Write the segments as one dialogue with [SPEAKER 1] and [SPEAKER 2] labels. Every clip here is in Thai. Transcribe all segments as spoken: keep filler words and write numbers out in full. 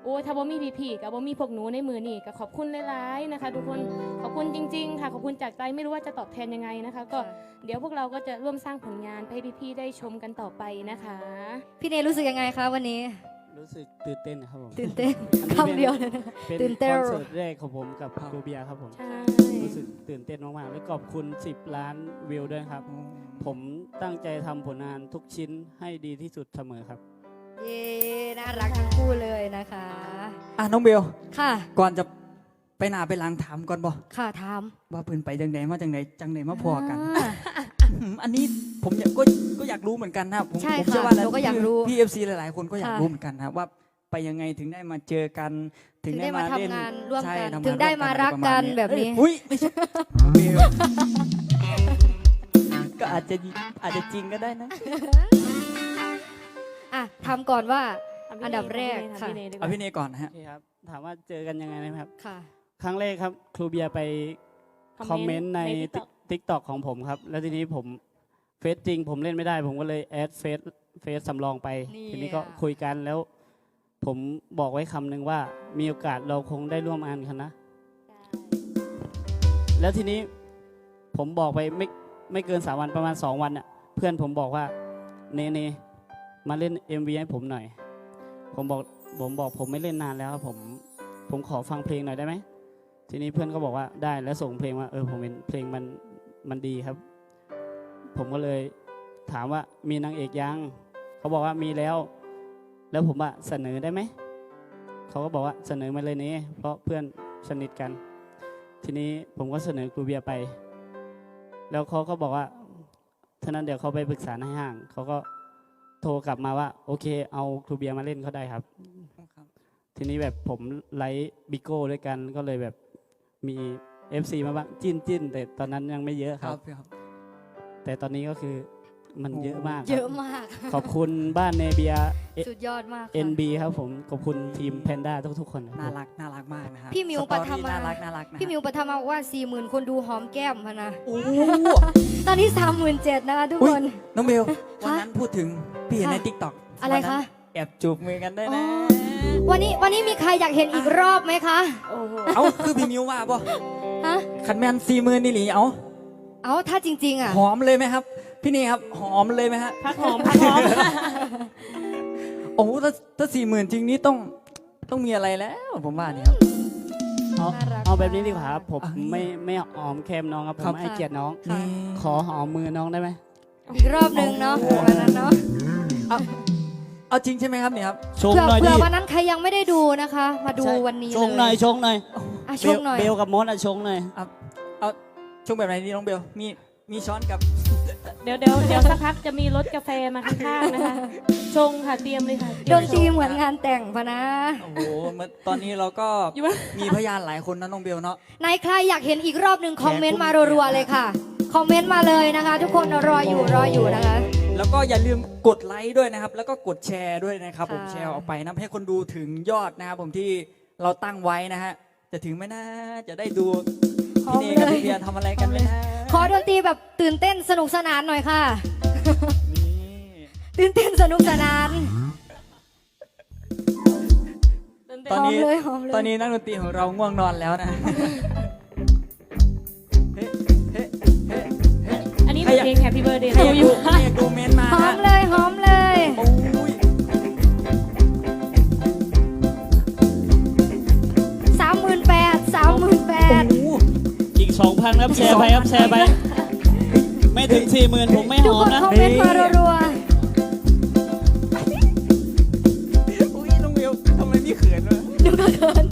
[SPEAKER 1] โอ้ถ้าบ่มีพี่ๆกับบ่มีพวกหนูในมือนี่ก็ขอบคุณหลายๆนะคะทุกคนขอบคุณจริงๆค่ะขอบคุณจากใจไม่รู้ว่าจะตอบแทนยังไงนะคะก็เดี๋ยวพวกเราก็จะร่วมสร้างผลงานให้พี่ๆได้ชมกันต่อไปนะคะ
[SPEAKER 2] พี่เนรู้สึกยังไงคะวันนี้
[SPEAKER 3] รู้สึกตื่นเต้นครับผม
[SPEAKER 2] ตื่นเต้นคำเดียวเลยนะ
[SPEAKER 3] เป็น
[SPEAKER 2] ตื่นเต้น
[SPEAKER 3] คอนเสิร์ตแรกของผมกับครูเบียร์ครับผม
[SPEAKER 1] ใช่
[SPEAKER 3] รู้สึกตื่นเต้นมากๆและขอบคุณสิบล้านวิวด้วยครับผมตั้งใจทำผลงานทุกชิ้นให้ดีที่สุดเสมอครับ
[SPEAKER 2] เย้น่ารักทั้งคู่เลยนะคะ
[SPEAKER 4] อ่ะน้องเบล
[SPEAKER 2] ค่ะ
[SPEAKER 4] ก่อนจะไปหน้าไปหลังถามก่อนบ่
[SPEAKER 2] ค่ะถาม
[SPEAKER 4] ว่าเพิ่นไปจังไดมาจังไดจังไดมาพอกันอันนี้ผมอยากก็ก็อยากรู้เหมือนกันนะผมผมเชื่อว่า
[SPEAKER 2] เราก็อยากรู้
[SPEAKER 4] พี่เอฟซีหลายๆคนก็อยากรู้เหมือนกันนะว่าไปยังไงถึงได้มาเจอกัน
[SPEAKER 2] ถึงได้มาทำงานร่วมกันถึงได้มารักกันแบบนี้
[SPEAKER 4] อุ้ยไม่ใช่ก็อาจจะอาจจะจริงก็ได้นะ
[SPEAKER 2] อ่ะทำก่อนว่าอันดับแรกค่ะ
[SPEAKER 4] เอาพี่เนก่อนนะฮะ
[SPEAKER 3] ครับถามว่าเจอกันยังไงนะครับ
[SPEAKER 2] ค่ะ
[SPEAKER 3] ครั้งแรกครับครูเบียร์ไปคอมเมนต์ใน ติ๊กต็อก ของผมครับแล้วทีนี้ผมเฟซจริงผมเล่นไม่ได้ผมก็เลยแอดเฟซเฟซสำรองไปทีนี้ก็คุยกันแล้วผมบอกไว้คำหนึ่งว่ามีโอกาสเราคงได้ร่วมงานกันนะแล้วทีนี้ผมบอกไปไม่ไม่เกินสามวันประมาณสองวันน่ะเพื่อนผมบอกว่าเนเนมาเล่น เอ็ม วี ให้ผมหน่อยผมบอกผมบอกผมไม่เล่นนานแล้วผมผมขอฟังเพลงหน่อยได้ไหมทีนี้เพื่อนก็บอกว่าได้แล้วส่งเพลงมาเออผมเป็นเพลงมันมันดีครับผมก็เลยถามว่ามีนางเอกยังเขาบอกว่ามีแล้วแล้วผมว่าเสนอได้ไหมเขาก็บอกว่าเสนอมาเลยนี่เพราะเพื่อนสนิทกันทีนี้ผมก็เสนอครูเบียร์ไปแล้วเขาก็บอกว่าท่านั้นเดี๋ยวเขาไปปรึกษาในห้างเขาก็โทรกลับมาว่าโอเคเอาครูเบียร์มาเล่นเขาได้ครับทีนี้แบบผมไลฟ์บิโก้ด้วยกันก็เลยแบบมี เอฟ ซี มาบ้างจิ้นจิ้นแต่ตอนนั้นยังไม่เยอะครับแต่ตอนนี้ก็คือมันเยอะมาก
[SPEAKER 2] เยอะมาก
[SPEAKER 3] ขอบคุณบ้านเนเบีย
[SPEAKER 2] สุดยอดมาก
[SPEAKER 3] เอ็น บี ครับผมขอบคุณทีมแพนด้าทุกๆคน
[SPEAKER 4] น่ารักน่ารักมากนะครับ
[SPEAKER 2] พี่มิวปฐมา
[SPEAKER 4] น่ารักน่ารัก
[SPEAKER 2] พี่มิวปฐมาบอกว่าสี่หมื่นคนดูหอมแก้มพนะ
[SPEAKER 4] โอ้
[SPEAKER 2] ตอนนี้สามหมื่นเจ็ดนะคะทุกคน
[SPEAKER 4] น้องเบลวันนั้นพูดถึงพี่เห็นในติ๊กต็อก
[SPEAKER 2] อะไรคะ
[SPEAKER 4] แอบจูบมือกันได้นะ
[SPEAKER 2] วันนี้วันนี้มีใครอยากเห็นอีกรอบไหมคะ
[SPEAKER 4] เอ้าคือพี่มิวว่าป่ะ
[SPEAKER 2] ฮะ
[SPEAKER 4] ขันแมนสี่หมื่นนี่หลีเอ้า
[SPEAKER 2] เอ้าถ้าจริงๆอ่ะ
[SPEAKER 4] หอมเลยไหมครับพี่นี่ครับหอมเลยไหมฮะ
[SPEAKER 1] พักหอมพักหอม
[SPEAKER 4] โอ้ถ้าถ้าสี่หมื่นจริงนี้ต้องต้องมีอะไรแล้วผมว่านี่ครับ
[SPEAKER 3] เอาเอาแบบนี้ดีกว่าครับผมไม่ไม่หอมแคมน้องครับผมให้เกียรติน้องขอหอมมือน้องได้ไหม
[SPEAKER 2] อีกรอบหนึ่งเนาะวันนั้นเนาะ
[SPEAKER 4] เอาเอาจริงใช่ไหมครับเนี่ยครับ
[SPEAKER 3] ชงหน่อยดิ
[SPEAKER 2] เผื่อวันนั้นใครยังไม่ได้ดูนะคะมาดูวันนี้เลย
[SPEAKER 3] ชงหน่อยชงหน่อย
[SPEAKER 2] ชงหน่อย
[SPEAKER 3] เบลกับมดอ่ะชงหน่อย
[SPEAKER 4] เอาชงแบบไหนดีน้องเบลมีมีช้อนกับ
[SPEAKER 1] เดี๋ยวเดี๋ยวเดี๋ยวสักพักจะมีรถกาแฟมาข้างๆนะคะชงค่ะเตรียมเลยค่ะ
[SPEAKER 2] ดนตรีเหมือนงานแต่งพะนะ
[SPEAKER 4] โอ้โหตอนนี้เราก็มีพยานหลายคนนะน้องเบลเนาะ
[SPEAKER 2] ในใครอยากเห็นอีกรอบหนึ่งคอมเมนต์มารัวๆเลยค่ะคอมเมนต์มาเลยนะคะทุกคนรออยู่รออยู่นะคะ
[SPEAKER 4] แล้วก็อย่าลืมกดไลค์ด้วยนะครับแล้วก็กดแชร์ด้วยนะครับผมแชร์ออกไปนะให้คนดูถึงยอดนะครับผมที่เราตั้งไว้นะฮะจะถึงไหมนะจะได้ดูพี่เนกับพี่เบียร์ทำอะไรกันไหมนะ
[SPEAKER 2] ขอดนตรีแบบตื่นเต้นสนุกสนานหน่อยค่ะตื่นเต้นสนุกสนาน
[SPEAKER 4] ตอนนี้ตอนนี้นักดนตรีของเราง่วงนอนแล้วนะ
[SPEAKER 1] อันนี้เพลง Happy Birthday
[SPEAKER 4] ให้ดูให้ดูเมนมา
[SPEAKER 2] หอมเลยหอมเลยสามหมื่นแปดสามหมื่นแปด
[SPEAKER 3] อีกสองพันครับแชร์ไปครับแชร์ไปไม่ถึงสี่หมื่นผมไม่หอมนะ
[SPEAKER 2] ทุกคนคอมเมนต์มารัว
[SPEAKER 4] ๆอุ้ยน้องเบลทำไมนี่เขินวะ
[SPEAKER 2] ดูก็เขิน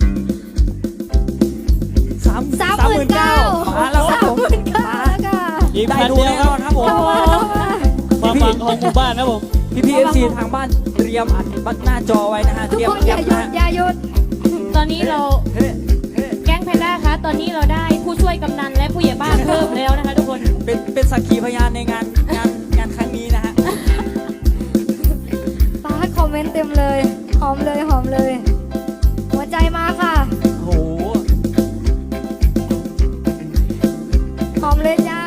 [SPEAKER 4] สาม
[SPEAKER 2] สามหมื่นเก้า
[SPEAKER 4] มาแล้วครับผม
[SPEAKER 3] อีกพันเดียว
[SPEAKER 4] ครับผม
[SPEAKER 3] ความหวังของหมู่บ้านนะผม
[SPEAKER 4] พี่พีเอฟซีทางบ้านเตรียมอัดบัตรหน้าจอไว้นะฮะ
[SPEAKER 2] ทุกคนอย่าหยุดอย่าหยุด
[SPEAKER 1] ตอนนี้เราแก๊งแพนด้าคะตอนนี้เราได้ผู้ช่วยกำนันและผู้ใหญ่บ้านเพิ่มแล้วนะคะทุกคน
[SPEAKER 4] เป็นเป็นสักขีพยานในงานงานงานครั้งนี้นะฮะ
[SPEAKER 2] ป้าคอมเมนต์เต็มเลยหอมเลยหอมเลยหัวใจมาค่ะ
[SPEAKER 4] โห
[SPEAKER 2] หอมเลยจ้า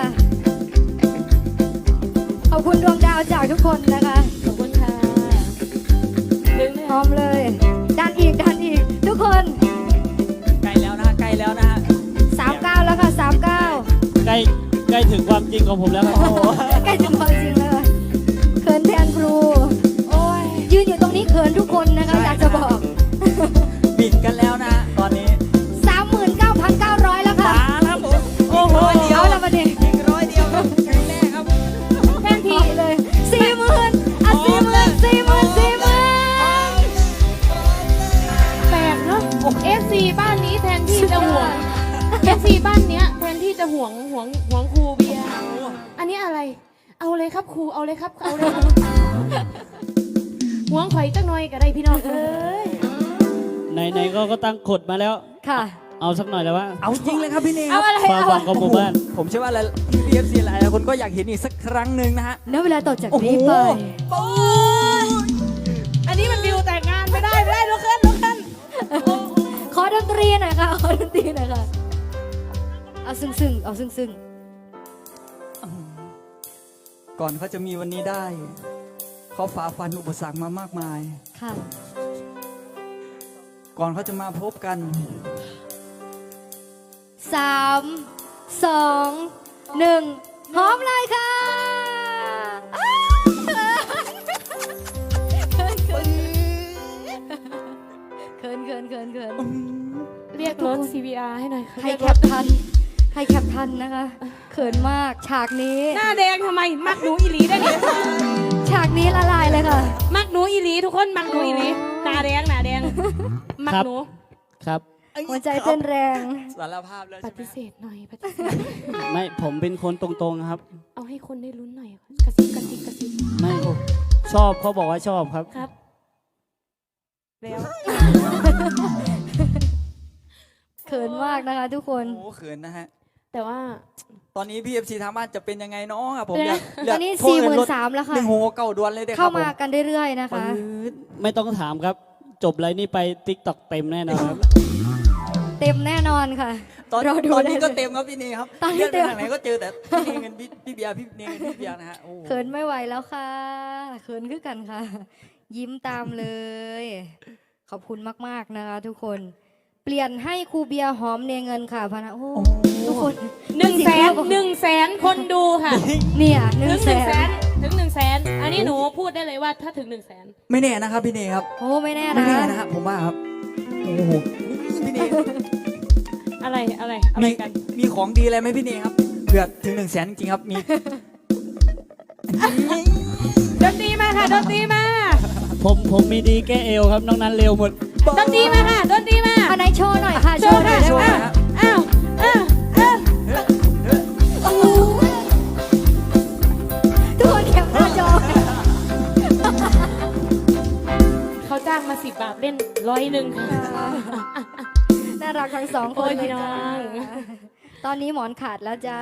[SPEAKER 2] ขอบคุณดวงดาวจากทุกคนนะคะ
[SPEAKER 1] ขอบคุณค่ะ
[SPEAKER 2] หอมเลยด
[SPEAKER 3] ความจริงของผมแล้วครับ
[SPEAKER 2] ใกล้ถึงความจริงแล้วค่ะเขินแทนครู
[SPEAKER 1] โอ้ย
[SPEAKER 2] ยืนอยู่ตรงนี้เขินทุกคนนะคะ อยากจะบอก
[SPEAKER 4] บิดกันแล้วนะตอนนี้
[SPEAKER 2] สามหมื่นเก้าพันเก้าร้อยแล้วค่ะ
[SPEAKER 4] มาครับผมโอ้โหเดียว
[SPEAKER 2] เอาละมาดิ
[SPEAKER 4] อีกร้อยเดียวครับถึงแน่ครับ
[SPEAKER 1] แทนที่
[SPEAKER 2] เลยสี่หมื่นอ่ะสี่หมื่นสี่หมื่นสี่หมื่น
[SPEAKER 1] แปลกเนาะ เอฟซีบ้านนี้แทนที่จะห่วง เอฟซีบ้านเนี้ยแทนที่จะห่วงห่วงห่วงครูเบียร์อันนี้อะไร เอาเลยครับครูเอาเลยครับเอาเลยครับห่วงข่อยจักหน่อยก็ได้พี่น้องเอ้ย
[SPEAKER 3] ไหนๆก็ก็ตั้งกฎมาแล้ว
[SPEAKER 2] ค่ะ
[SPEAKER 3] เอาสักหน่อยแล้วว่า
[SPEAKER 4] เอาจริงเลยครับพี่เนค
[SPEAKER 1] เอา
[SPEAKER 4] รับ
[SPEAKER 1] อะไร
[SPEAKER 3] ความ
[SPEAKER 1] เอา
[SPEAKER 3] หวังของหมู่บ้าน
[SPEAKER 4] ผมเชื่อว่าหลายพี่พีเอฟซีหลายคนก็อยากเห็นอีกสักครั้งหนึ่งนะฮะ
[SPEAKER 2] ณเวลาต่อจากนี้ไป
[SPEAKER 4] โอ้โห
[SPEAKER 1] อันนี้มันวิวแต่งงานไม่ได้ไม่ได้ลุกขึ้นลุกขึ้น
[SPEAKER 2] ขอดนตรีหน่อยค่ะ ขอดนตรีหน่อยค่ะ เอาซึ้งซึ้งๆเอาซึ้งซึ้ง
[SPEAKER 4] ก่อนเขาจะมีวันนี้ได้ เขาฝ่าฟันอุปสรรคมามากมาย
[SPEAKER 2] ๆค่ะ
[SPEAKER 4] ก่อนเขาจะมาพบกัน
[SPEAKER 2] สามสองหนึ่งหอมเลยค่ะอ้าวเขินเขินเขินเขินเขินเขิน
[SPEAKER 1] เรียกรถ ซี วี อาร์ ให้หน่อยค่ะ
[SPEAKER 2] ใคร
[SPEAKER 1] เรียก
[SPEAKER 2] แค
[SPEAKER 1] ร
[SPEAKER 2] ป
[SPEAKER 1] ถ
[SPEAKER 2] ทันใครแคปทันนะคะ เขินมากฉากนี้
[SPEAKER 1] หน้าแดงทำไม มักหนูอีหลีได้เนี่ย
[SPEAKER 2] ฉากนี้ละลายเลยค่ะ
[SPEAKER 1] มักหนูอีหลีทุกคนมักหนูอีหลีหน้าแดงหน้าแดง มักหนู
[SPEAKER 3] ครับ
[SPEAKER 2] หัวใจเต้นแรง
[SPEAKER 4] สารภาพแล้ว
[SPEAKER 1] ป
[SPEAKER 4] ใช่ไหม
[SPEAKER 1] ฏิเสธหน่อยปฏิเสธ
[SPEAKER 3] ไม่ผมเป็นคนตรงๆครับ
[SPEAKER 1] เอาให้คนได้ลุ้นหน่อยกระซิบกระซิบกระซิบ
[SPEAKER 3] ไม่ชอบเขาบอกว่าชอบครับ
[SPEAKER 1] ครับ แล้ว
[SPEAKER 2] เขินมากนะคะทุกคน
[SPEAKER 4] โอ้โหเขินนะฮะ
[SPEAKER 1] แต่ว่า
[SPEAKER 4] ตอนนี้พี่เอฟซีทางบ้านจะเป็นยังไงเนาะครับผม
[SPEAKER 1] เป็นไง
[SPEAKER 4] อยาก
[SPEAKER 2] ตอนนี้
[SPEAKER 4] โทร
[SPEAKER 2] สี่ห
[SPEAKER 4] เงิ
[SPEAKER 2] มื่น
[SPEAKER 4] รถ
[SPEAKER 2] สามแล้วค่ะ
[SPEAKER 4] หนึ่งหัวเก่าดวนเลยเด้อค
[SPEAKER 2] เข้า
[SPEAKER 4] รับผม
[SPEAKER 2] มากันเรื่อยๆนะคะ
[SPEAKER 3] ไม่ต้องถามครับ จบไรนี่ไปติ๊กต็อกเต็มแน่นอนครับ
[SPEAKER 2] เต็มแน่นอนค่ะ
[SPEAKER 4] ตอน
[SPEAKER 2] เราดู
[SPEAKER 4] ตอนนี้
[SPEAKER 2] ได้
[SPEAKER 4] ก็
[SPEAKER 2] เลย
[SPEAKER 4] เต็มครับพี่เนครับ
[SPEAKER 2] ตอนนี้
[SPEAKER 4] เลื่อนไป
[SPEAKER 2] เต็ม
[SPEAKER 4] ทางไหนก็เจอแต่พี่เนเงินพี่พี่เบียร์พี่เนเงินพี่เบียร์นะฮะโอ้โห
[SPEAKER 2] เขินไม่ไหวแล้วค่ะเขินขึ้นกันค่ะ ยิ้มตามเลย ขอบคุณมากๆนะคะทุกคน เปลี่ยนให้ครูเบียร์หอมเนเงินค่ะพะนะโอ้ทุกคน
[SPEAKER 1] หนึ่งแสนหนึ่งแสนคนดูค่ะ
[SPEAKER 2] เนี่ยหนึ่
[SPEAKER 1] ถึ
[SPEAKER 2] ง
[SPEAKER 1] งห
[SPEAKER 2] แส
[SPEAKER 1] นึ่งแส
[SPEAKER 2] น
[SPEAKER 1] นถึงหนึ่งแสนอันนี้หนูพูดได้เลยว่าถ้าถึงหนึ่งแสน
[SPEAKER 4] ไม่แน่นะครับพี่เนครับ
[SPEAKER 2] โอ้ไม่แน่
[SPEAKER 4] ไม่
[SPEAKER 2] นะ
[SPEAKER 4] แน่นะฮะผมว่าครับโอ้โหพี่เน
[SPEAKER 1] อะไรอะไรอะไร
[SPEAKER 4] มี
[SPEAKER 1] กัน
[SPEAKER 4] มีของดีอะไรไหมพี่เนครับเผื่อถึงหนึ่งแสนจริงๆครับมี
[SPEAKER 1] ดนตรีมาค่ะดนตรีมา
[SPEAKER 3] ผมผมมีดีแก้เอวครับน้องนั้นเร็วหมด
[SPEAKER 1] ดนตรีมาค่ะดนตรีมา
[SPEAKER 2] อันไหนโชว์หน่อยค่ะ
[SPEAKER 1] โชว์ค่ะ
[SPEAKER 2] โชว์หน่อยได้ไหม
[SPEAKER 1] อ้าวอ้าวอ้าว
[SPEAKER 2] ทุกคนแคปหน้าจอ
[SPEAKER 1] เขาจ้างมาสิบบาทเล่นร้อยหนึ่งค่ะ
[SPEAKER 2] น่ารักทั้งสองค
[SPEAKER 1] โอ้
[SPEAKER 2] น
[SPEAKER 1] ย
[SPEAKER 2] เลย
[SPEAKER 1] พี่น้อ
[SPEAKER 2] จ้า
[SPEAKER 1] ง
[SPEAKER 2] ตอนนี้หมอนขาดแล้วจ้า